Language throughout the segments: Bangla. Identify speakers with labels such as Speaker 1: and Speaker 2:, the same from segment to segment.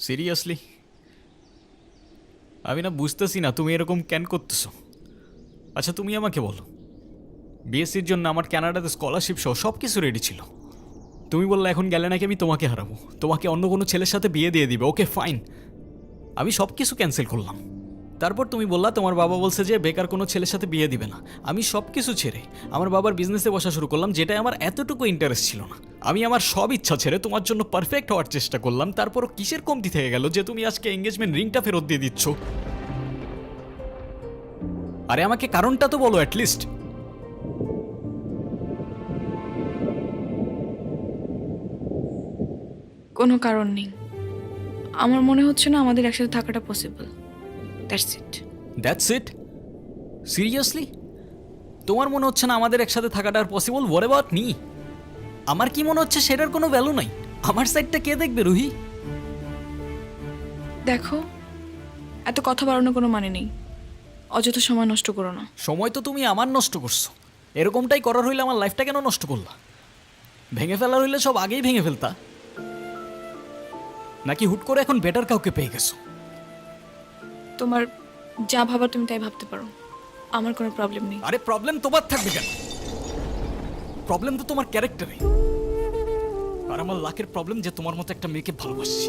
Speaker 1: সিরিয়াসলি আমি না বুঝতেছি না তুমি এরকম কেন করতেছো। আচ্ছা তুমি আমাকে বলো, বিএসসির জন্য আমার কানাডাতে স্কলারশিপ সহ সব কিছু রেডি ছিল। তুমি বললে এখন গেলে নাকি আমি তোমাকে হারাবো, তোমাকে অন্য কোনো ছেলের সাথে বিয়ে দিয়ে দিবে। ওকে ফাইন, আমি সব কিছু ক্যান্সেল করলাম। তারপর তুমি বললা তোমার বাবা বলছে যে বেকার কোনো ছেলের সাথে বিয়ে দিবে না। আমি সব কিছু ছেড়ে আমার বাবার বিজনেসে বসা শুরু করলাম, যেটাই আমার এতটুকু ইন্টারেস্ট ছিল না। আমি আমার সব ইচ্ছা ছেড়ে তোমার জন্য পারফেক্ট হওয়ার চেষ্টা করলাম। তারপরও কিসের কমতি থেকে গেল যে তুমি আজকে এঙ্গেজমেন্ট রিংটা ফেরত দিয়ে দিচ্ছ? আরে আমাকে কারণটা তো বলো অ্যাটলিস্ট।
Speaker 2: কোনো কারণ নেই। আমার মনে হচ্ছে না আমাদের একসাথে থাকাটা possible. That's it.
Speaker 1: That's it? Seriously তোমার মনে হচ্ছে না আমাদের একসাথে থাকাটা আর পসিবল? What about me? আমার কি মনে হচ্ছে সেটার কোনো ভ্যালু নাই? আমার সাইডটা কে দেখবে রুহি?
Speaker 2: দেখো, এত কথা বাড়ানোর কোনো মানে নেই। অযথা সময় নষ্ট করো না।
Speaker 1: সময় তো তুমি আমার নষ্ট করছো। এরকমটাই করার হইলে আমার লাইফটা কেন নষ্ট করলা? ভেঙে ফেলার হইলে সব আগেই ভেঙে ফেলতা, নাকি হুট করে এখন বেটার কাউকে পেয়ে গেছো?
Speaker 2: তোমার যা ভাবার তুমি তাই ভাবতে পারো, আমার কোনো প্রবলেম নেই।
Speaker 1: আরে প্রবলেম তোমার থাকবে কেন? প্রবলেম তো তোমার ক্যারেক্টারে। আর আমার লাখের প্রবলেম যে তোমার মতো একটা মেয়েকে ভালোবাসছি।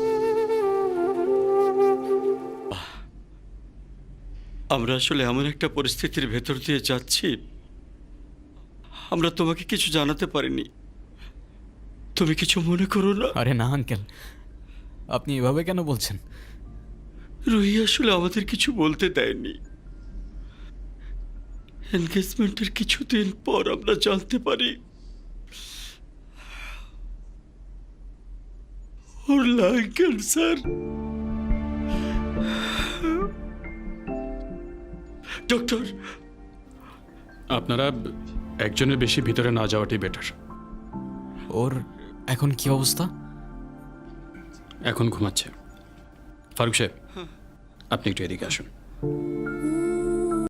Speaker 3: আমরা আসলে এমন একটা পরিস্থিতির ভেতর দিয়ে যাচ্ছি, আমরা তোমাকে কিছু জানাতে পারিনি। তুমি কিছু মনে করো না।
Speaker 1: আরে না আঙ্কেল, আপনি এভাবে কেন বলছেন?
Speaker 3: রুহি আসলে আমাদের কিছু বলতে দেয়নি। এনগেজমেন্টের কিছুদিন পর আমরা জানতে পারি ওর লাং ক্যান্সার। ডক্টর,
Speaker 4: আপনারা একজনের বেশি ভিতরে না যাওয়াটাই বেটার।
Speaker 1: ওর এখন কি অবস্থা?
Speaker 4: এখন ঘুমাচ্ছে। ফারুক সাহেব, আপনি একটু এদিকে আসুন।